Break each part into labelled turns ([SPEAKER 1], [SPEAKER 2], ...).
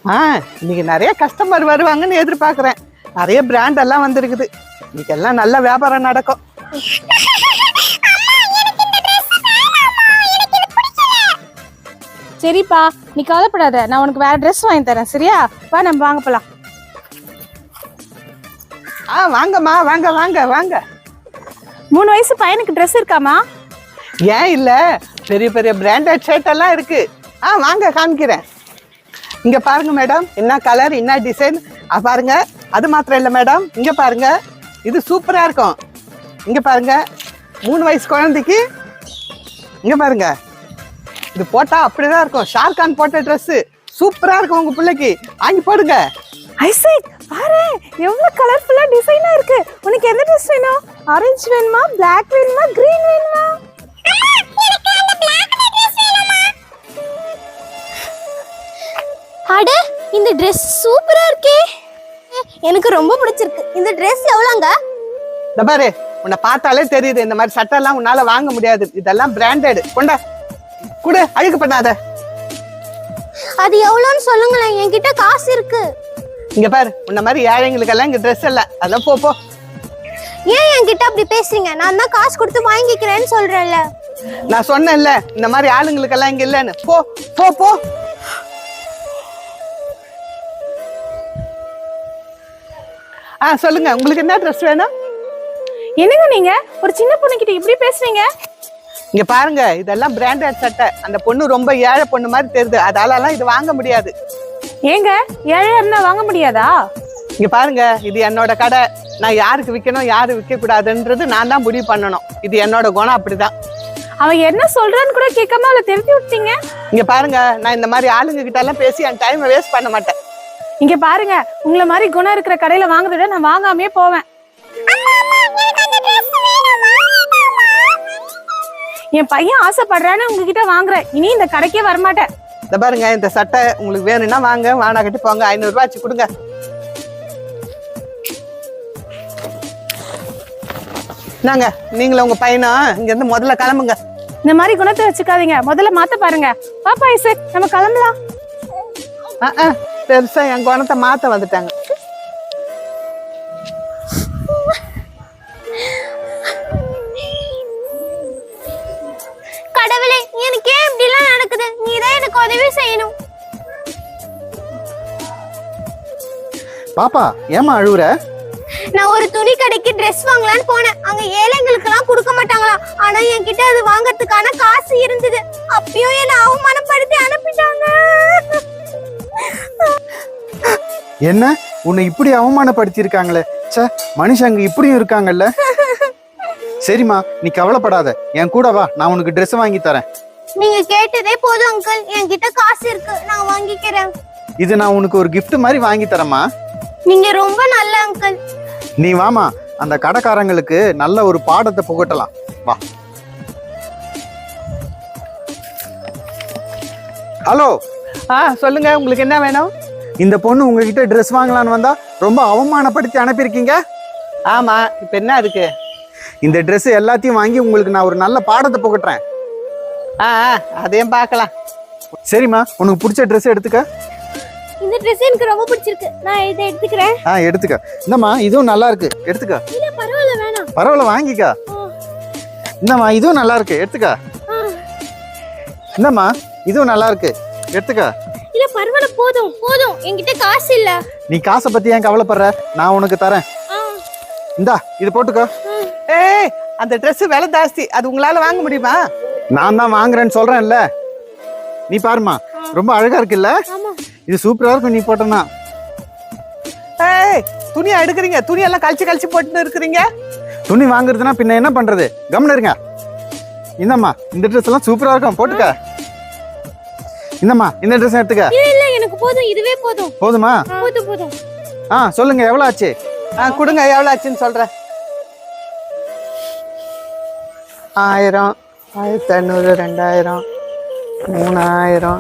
[SPEAKER 1] இன்னைக்கு நிறைய கஸ்டமர் வருவாங்கன்னு எதிர்பார்க்குறேன். நிறைய பிராண்ட் எல்லாம் வந்திருக்குது. இன்னைக்கு எல்லாம் நல்ல வியாபாரம் நடக்கும்.
[SPEAKER 2] சரிப்பா, நீ கவலைப்படாத, நான் உனக்கு வேற ட்ரெஸ் வாங்கி தரேன். சரியா? வா, நம்ம வாங்க போலாம்.
[SPEAKER 1] வாங்கம்மா, வாங்க வாங்க வாங்க.
[SPEAKER 2] 3 வயசு பையனுக்கு ட்ரெஸ் இருக்காமா?
[SPEAKER 1] ஏன் இல்ல, பெரிய பெரிய பிராண்டட் ஷர்ட் எல்லாம் இருக்கு. வாங்க காமிக்கிறேன். இங்க பாருங்க மேடம், என்ன கலர் என்ன டிசைன் பாருங்க. அது மாத்திரம் இல்லை மேடம், இங்க பாருங்க, இது சூப்பரா இருக்கும். இங்க பாருங்க, 3 வயசு குழந்தைக்கு இங்க பாருங்க, இது போட்டா அப்படிதான் இருக்கும். ஷாருக்கான் போட்ட ட்ரெஸ் சூப்பரா இருக்கும். உங்க பிள்ளைக்கு வாங்கி போடுங்க.
[SPEAKER 2] ஐசக், பாரு எவ்வளவு கலர்ஃபுல்லா டிசைனா இருக்கு. உனக்கு எந்த ட்ரெஸ் வேணும்? ஆரஞ்சு வேணுமா, பிளாக் வேணுமா, கிரீன் வேணுமா?
[SPEAKER 3] அட, இந்த Dress சூப்பரா இருக்கே. எனக்கு ரொம்ப பிடிச்சிருக்கு. இந்த Dress எவ்வளவுங்க?
[SPEAKER 1] இந்த பாரு, உன்னை பார்த்தாலே தெரியுது இந்த மாதிரி சட்டை எல்லாம் உன்னால வாங்க முடியாது. இதெல்லாம் பிராண்டட். கொண்டா குடு, அழுக்கு பண்ணாத.
[SPEAKER 3] அது எவ்வளவுன்னு சொல்லுங்களேன், என்கிட்ட காசு இருக்கு.
[SPEAKER 1] இங்க பாரு, உன்ன மாதிரி ஏழைங்களுக்கு எல்லாம் இங்க ட்ரெஸ் இல்ல. அதான் போ போ.
[SPEAKER 3] ஏன் என்கிட்ட அப்படி பேசுறீங்க? நான் தான் காசு கொடுத்து வாங்கிக்கிறேன்னு சொல்றேன்ல.
[SPEAKER 1] நான் சொன்னேன்ல, இந்த மாதிரி ஆளுங்களுக்கு எல்லாம் இங்க இல்லன்னு. போ போ போ. சொல்லுங்க, உங்களுக்கு என்ன ட்ரெஸ் வேணும்?
[SPEAKER 2] என்னங்க நீங்க ஒரு சின்ன பொண்ணு கிட்ட இப்படி பேசுறீங்க?
[SPEAKER 1] இங்க பாருங்க, இதெல்லாம் பிராண்டட் சட்டை. அந்த பொண்ணு ரொம்ப ஏழை பொண்ணு மாதிரி தெரியுது, அதாலலாம் இது வாங்க முடியாது.
[SPEAKER 2] ஏங்க, ஏழையா இருந்தா வாங்க முடியாதா?
[SPEAKER 1] இங்க பாருங்க, இது என்னோட கடை. நான் யாருக்கு விற்கணும் யாரு விற்க கூடாதுன்றது நான் தான் முடிவு பண்ணணும். இது என்னோட குணம், அப்படிதான்.
[SPEAKER 2] அவன் என்ன சொல்றான்னு கூட கேட்காம அவளை திருத்தி விட்டீங்க.
[SPEAKER 1] இங்க பாருங்க, நான் இந்த மாதிரி ஆளுங்க கிட்ட எல்லாம் பேசி என் டைமை வேஸ்ட் பண்ண மாட்டேன்.
[SPEAKER 2] இங்க பாருங்க, உங்களை மாதிரி குணம் இருக்கிற கடையில வாங்குறத விட நான் வாங்காமே போவேன். என் பையன் ஆசைப்படுறான்னு உங்ககிட்ட வாங்குறேன். இனி இந்த கடைக்கே வரமாட்டேன்.
[SPEAKER 1] இந்த பாருங்க, இந்த சட்டை உங்களுக்கு வேணும்னா வாங்க, வானா கட்டி போங்க. 500 ரூபாய் வச்சு கொடுங்க. நாங்க நீங்களும் உங்க பையனும் இங்க இருந்து முதல்ல கிளம்புங்க.
[SPEAKER 2] இந்த மாதிரி குணத்தை வச்சுக்காதீங்க, முதல்ல மாத்த பாருங்க. பாப்பா ஐசக், நம்ம கிளம்பலாம்.
[SPEAKER 1] பெருசா என் குணத்தை மாத்த வந்துட்டாங்க.
[SPEAKER 3] கடவுளே, எனக்கு ஏன் இப்படி எல்லாம் நடக்குது? நீதான் எனக்கு உதவி செய்யணும்.
[SPEAKER 4] பாப்பா, ஏமா அழுவுற?
[SPEAKER 3] நான் ஒரு துணி கடைக்கு ட்ரெஸ் வாங்கலான்னு போனேன். அங்க ஏழைங்களுக்கு எல்லாம் கொடுக்க மாட்டாங்களா. ஆனா என்கிட்ட அது வாங்கறதுக்கான காசு இருந்தது. அப்பயும் என்ன அவமானப்படுத்தி அனுப்பிட்டாங்க.
[SPEAKER 4] என்ன, உன்னை இப்படி அவமானப்படுத்திருக்காங்களே. சே, மனுஷங்க இப்படியும் இருக்காங்கல்ல. சரிம்மா, நீ கவலைப்படாத, என் கூட வா, நான் உனக்கு ட்ரெஸ் வாங்கி தரேன்.
[SPEAKER 3] நீங்க கேட்டதே போதும் அங்கிள், என்கிட்ட காசு இருக்கு, நான் வாங்கிக்கிறேன்.
[SPEAKER 4] இது நான் உனக்கு ஒரு gift மாதிரி வாங்கி தரேம்மா.
[SPEAKER 3] நீங்க ரொம்ப நல்ல அங்கிள்.
[SPEAKER 4] நீ வாமா, அந்த கடைக்காரங்களுக்கு நல்ல ஒரு பாடத்தை புகட்டலாம். வா. ஹலோ.
[SPEAKER 1] சொல்லுங்க, உங்களுக்கு என்ன வேணும்?
[SPEAKER 4] இந்த பொண்ணு உங்ககிட்ட ட்ரெஸ் வாங்கலான்னு வந்தா ரொம்ப அவமானப்படுத்தி அனுப்பியிருக்கீங்க.
[SPEAKER 1] ஆமா, இப்ப என்ன அதுக்கு?
[SPEAKER 4] இந்த ட்ரெஸ் எல்லாத்தையும் வாங்கி உங்களுக்கு நான் ஒரு நல்ல பாடத்தை புகட்டுறேன்.
[SPEAKER 1] அதையும் பார்க்கலாம்.
[SPEAKER 4] சரிம்மா, உனக்கு பிடிச்ச ட்ரெஸ் எடுத்துக்க.
[SPEAKER 3] இந்த ட்ரெஸ் எனக்கு ரொம்ப பிடிச்சிருக்கு, நான் இதை எடுத்துக்கிறேன்.
[SPEAKER 4] எடுத்துக்க. இந்தம்மா, இதுவும் நல்லா இருக்கு, எடுத்துக்க.
[SPEAKER 3] இல்ல பரவாயில்ல, வேணாம்.
[SPEAKER 4] பரவாயில்ல, வாங்கிக்க. இந்தம்மா, இதுவும் நல்லா இருக்கு, எடுத்துக்க. இந்தம்மா, இதுவும் நல்லா இருக்கு, எடுத்துக்க.
[SPEAKER 3] இல்ல பரவாயில்ல, போதும் போதும், என்கிட்ட காசு இல்ல.
[SPEAKER 4] நீ காசை பத்தி ஏன் கவலைப்படுற? நான் உனக்கு தரேன். இந்தா, இது போட்டுக்கோ.
[SPEAKER 1] அந்த ட்ரெஸ் விலை ஜாஸ்தி, அது உங்களால வாங்க முடியுமா?
[SPEAKER 4] நான் தான் வாங்குறேன்னு சொல்றேன்ல. நீ பாருமா, ரொம்ப அழகா இருக்குல்ல. இது சூப்பரா இருக்கும் நீ போட்டனா.
[SPEAKER 1] துணியா எடுக்கிறீங்க? துணியெல்லாம் கழிச்சு கழிச்சு போட்டு இருக்கிறீங்க.
[SPEAKER 4] துணி வாங்குறதுனா பின்ன என்ன பண்றது? கம்முன்னு இருங்க. இந்தம்மா, இந்த ட்ரெஸ் எல்லாம் சூப்பரா இருக்கும், போட்டுக்க. இந்தம்மா, இந்த ட்ரெஸ் எடுத்துக்க.
[SPEAKER 3] இல்ல, எனக்கு போதும், இதுவே போதும்.
[SPEAKER 4] போதுமா?
[SPEAKER 3] போதும் போதும்.
[SPEAKER 4] சொல்லுங்க, எவ்வளவு ஆச்சு?
[SPEAKER 1] கொடுங்க, எவ்வளவு ஆச்சுன்னு சொல்றேன். 1000, 1500, 2000, 3000,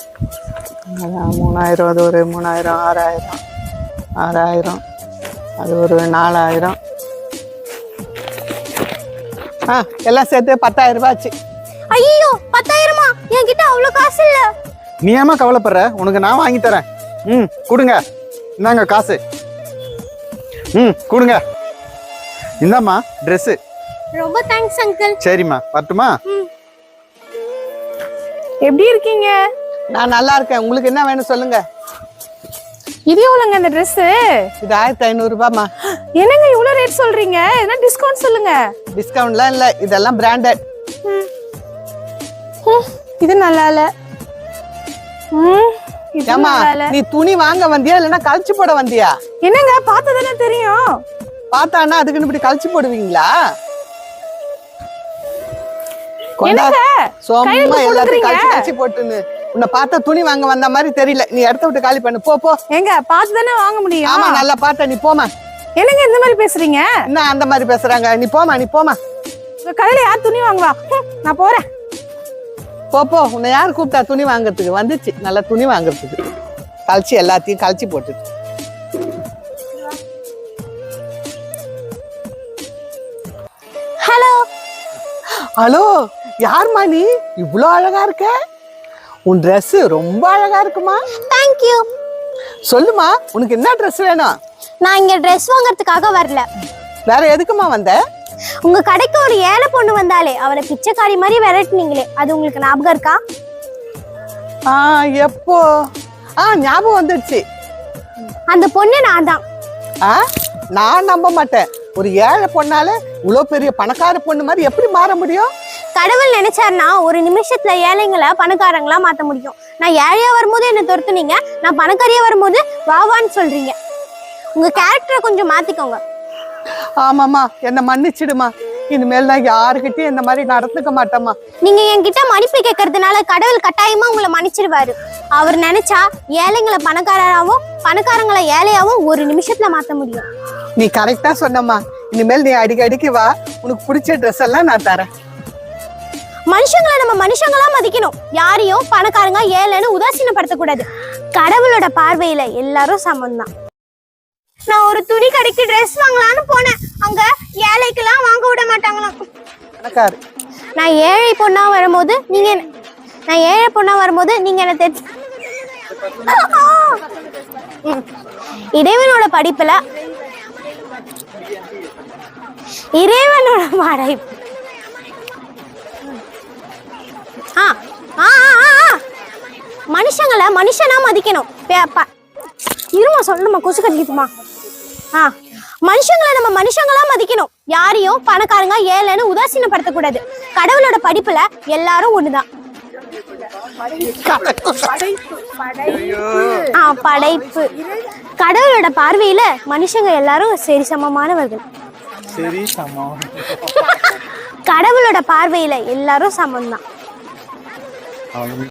[SPEAKER 1] 3000, அது ஒரு 3000, 6000, 6000, அது ஒரு 4000. எல்லாம் சேர்த்து 10,000 ரூபாய் ஆச்சு.
[SPEAKER 3] ஐயோ, 10,000மா? என்கிட்ட அவ்வளவு காசு இல்ல.
[SPEAKER 4] நீ ஏமா கவலைப்படுற? உனக்கு நான் வாங்கி தரேன். ம் கொடுங்க. இந்தாங்க காசு. ம் கொடுங்க. இந்தாம்மா ட்ரெஸ்ஸு.
[SPEAKER 3] ரொம்ப தேங்க்ஸ் அங்கிள்.
[SPEAKER 4] சரிம்மா வரட்டுமா?
[SPEAKER 2] எப்படி இருக்கீங்க?
[SPEAKER 1] நான் நல்லா இருக்கேன். உங்களுக்கு என்ன வேணும் சொல்லுங்க.
[SPEAKER 2] இது எவ்வளோங்க இந்த Dress?
[SPEAKER 1] இது 1500 ரூபாய்மா.
[SPEAKER 2] என்னங்க இவ்வளோ ரேட் சொல்றீங்க? என்ன டிஸ்கவுண்ட் சொல்லுங்க.
[SPEAKER 1] டிஸ்கவுண்ட்லாம் இல்லை, இதெல்லாம் பிராண்டட்.
[SPEAKER 2] இது நல்லா இல்ல. இது
[SPEAKER 1] ஏமா
[SPEAKER 2] நல்லா இல்ல.
[SPEAKER 1] நீ துணி வாங்க வந்தியா இல்லைன்னா கழிச்சு போட வந்தியா?
[SPEAKER 2] என்னங்க பார்த்ததானே தெரியும்.
[SPEAKER 1] பார்த்தானா அதுக்குன்னு இப்படி கழிச்சு போடுவீங்களா?
[SPEAKER 2] என்னங்க
[SPEAKER 1] சோமா
[SPEAKER 2] கையில
[SPEAKER 1] எல்லாத்தையும்
[SPEAKER 2] கொடுக்குறீங்க?
[SPEAKER 1] கழிச்சு கழிச்சு போட்டுன்னு உன்னை பார்த்தா துணி வாங்க வந்த மாதிரி தெரியல. நீ இடத்த விட்டு காலி பண்ணு. போ போ.
[SPEAKER 2] ஏங்க பார்த்துதானே வாங்க முடியும்.
[SPEAKER 1] ஆமா நல்லா பார்த்த. நீ போமா.
[SPEAKER 2] என்னங்க இந்த மாதிரி பேசுறீங்க?
[SPEAKER 1] என்ன அந்த மாதிரி பேசுறாங்க? நீ போமா, நீ போமா.
[SPEAKER 2] உங்க கடையில யார் துணி வாங்குவா? நான் போறேன்.
[SPEAKER 1] போ போ. உன்னை யார் கூப்பிட்டா துணி வாங்குறதுக்கு? வந்துச்சு நல்லா துணி வாங்குறதுக்கு. கழிச்சு எல்லாத்தையும் கழிச்சு போட்டுட்டு.
[SPEAKER 3] ஹலோ.
[SPEAKER 1] ஹலோ, யாரும்மா நீ? இவ்வளோ அழகா இருக்க. உன் Dress ரொம்ப அழகா இருக்குமா.
[SPEAKER 3] Thank you.
[SPEAKER 1] சொல்லுமா, உனக்கு என்ன Dress வேணும்?
[SPEAKER 3] நான் இங்க Dress வாங்குறதுக்காக வரல.
[SPEAKER 1] வேற எதுக்குமா வந்த?
[SPEAKER 3] உங்க கடைக்கு ஒரு ஏழை பொண்ணு வந்தாலே அவளை பிச்சைக்காரி மாதிரி விரட்டுனீங்களே, அது உங்களுக்கு ஞாபகம் இருக்கா?
[SPEAKER 1] எப்போ? ஞாபகம் வந்துடுச்சு.
[SPEAKER 3] அந்த பொண்ணு நான் தான்.
[SPEAKER 1] நான் நம்ப மாட்டேன். ஒரு ஏழை பொண்ணால இவ்வளோ பெரிய பணக்கார பொண்ணு மாதிரி எப்படி மாற முடியும்?
[SPEAKER 3] கடவுள் நினைச்சாருன்னா ஒரு நிமிஷத்துல ஏழைங்களை பணக்காரங்களா மாத்த முடியும். நான் ஏழையா வரும்போது என்ன துரத்துனீங்க, நான் பணக்காரியா வரும்போது வாவான்னு சொல்றீங்க. உங்க கேரக்டரை கொஞ்சம் மாத்திக்கோங்க.
[SPEAKER 1] ஆமாம்மா, என்னை மன்னிச்சிடுமா. இனிமேல் நான் யாருக்கிட்டையும் இந்த மாதிரி நடந்துக்க மாட்டேம்மா.
[SPEAKER 3] நீங்க என்கிட்ட மன்னிப்பு கேட்கறதுனால கடவுள் கட்டாயமா உங்களை மன்னிச்சிடுவாரு. அவர் நினைச்சா ஏழைங்களை பணக்காரராகவும் பணக்காரங்களை ஏழையாவும் ஒரு நிமிஷத்துல மாத்த முடியும்.
[SPEAKER 1] நீ கரெக்டா சொன்னம்மா. இனிமேல் நீ அடிக்கடிக்கு வா, உனக்கு பிடிச்ச ட்ரெஸ் எல்லாம் நான் தரேன்.
[SPEAKER 3] மனுஷங்களை நம்ம மனுஷங்களா மதிக்கணும். யாரையும் பணக்காரங்க ஏழைன்னு உதாசீனப்படுத்தக்கூடாது. கடவுளோட பார்வையில எல்லாரும் சமம் தான். நான் ஒரு துணி கடைக்கு Dress வாங்கலாம்னு போனேன். அங்க ஏழைக்கெல்லாம் வாங்க விட மாட்டாங்களாம்.
[SPEAKER 1] பணக்காரு.
[SPEAKER 3] நான் ஏழை பொண்ணா வரும்போது நீங்க என்ன தெரிஞ்சு இறைவனோட படிப்புல இறைவனோட படைப்பு மனுஷங்களை மனுஷனா மதிக்கணும். இருமா சொல்லணுமா, கொசு கடிக்குதுமா. மனுஷங்களை நம்ம மனுஷங்களா மதிக்கணும். யாரையும் பணக்காரங்க ஏழைன்னு உதாசீனப்படுத்தக்கூடாது. கடவுளோட படிப்புல எல்லாரும் ஒண்ணுதான். படைப்பு. கடவுளோட பார்வையில மனுஷங்க எல்லாரும் சரி சமமானவர்கள். கடவுளோட பார்வையில எல்லாரும் சமம் தான்.